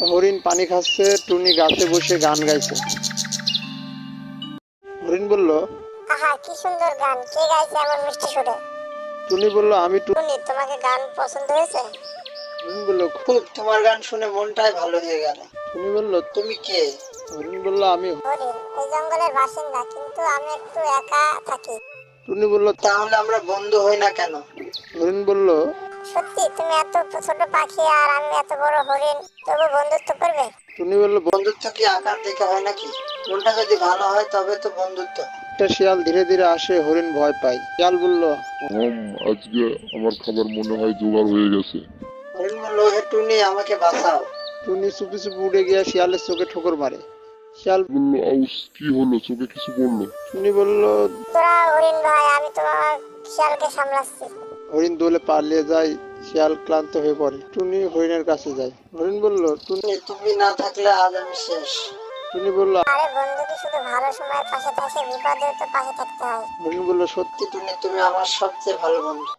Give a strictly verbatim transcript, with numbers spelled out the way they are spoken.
হরিণ পানি খাচ্ছে, টুনি গাছে বসে গান গাইছে। হরিণ বলল, আহা কি সুন্দর গান, কে গাইছে এমন মিষ্টি সুরে? টুনি বলল, আমি। টুনি, তোমাকে গান পছন্দ হয়েছে? হরিণ বলল, খুব, তোমার গান শুনে মনটাই ভালো হয়ে গেল। টুনি বলল, তুমি কে? হরিণ বলল, আমি। হরিণ এই জঙ্গলের বাসিন্দা, কিন্তু আমি একটু একা থাকি। টুনি বলল, তাহলে আমরা বন্ধু হই না কেন? হরিণ বলল, সত্যি তুমি এত ছোট পাখি আর আমি এত বড় হরিণ, তবু বন্ধুত্ব করবে? টুনি বলল, বন্ধুত্ব কি আকার দেখে হয় নাকি? মনটা যদি ভালো হয় তবে তো বন্ধুত্ব। একটা শিয়াল ধীরে ধীরে আসে, হরিণ ভয় পায়। শিয়াল বলল, হুম, আজকে আমার খাবার মনে হয় জোগাড় হয়ে গেছে। হরিণ বলল, হে টুনি, আমাকে বাঁচাও। টুনি চুপি চুপি উড়ে গিয়ে শিয়ালের চোখে ঠোকর মারে। শিয়াল বললো, আউস, কি হলো? চোখে কিছু পড়লো? টুনি বলল, তোরা হরিণ ভাই, আমি তোমার শিয়ালকে সামলাচ্ছি। হরিণ দৌড়ে পালিয়ে যায়। শিয়াল ক্লান্ত হয়ে পড়ে। টুনি হরিণের কাছে যায়। হরিণ বলল, টুনি, তুমি না থাকলে আজ আমি শেষ। টুনি বলল, আরে বন্ধু কি শুধু ভালো সময়ের পাশে থাকে? বিপদেও তো পাশে থাকতে হয়। হরিণ বলল, সত্যি টুনি, তুমি আমার সবচেয়ে ভালো বন্ধু।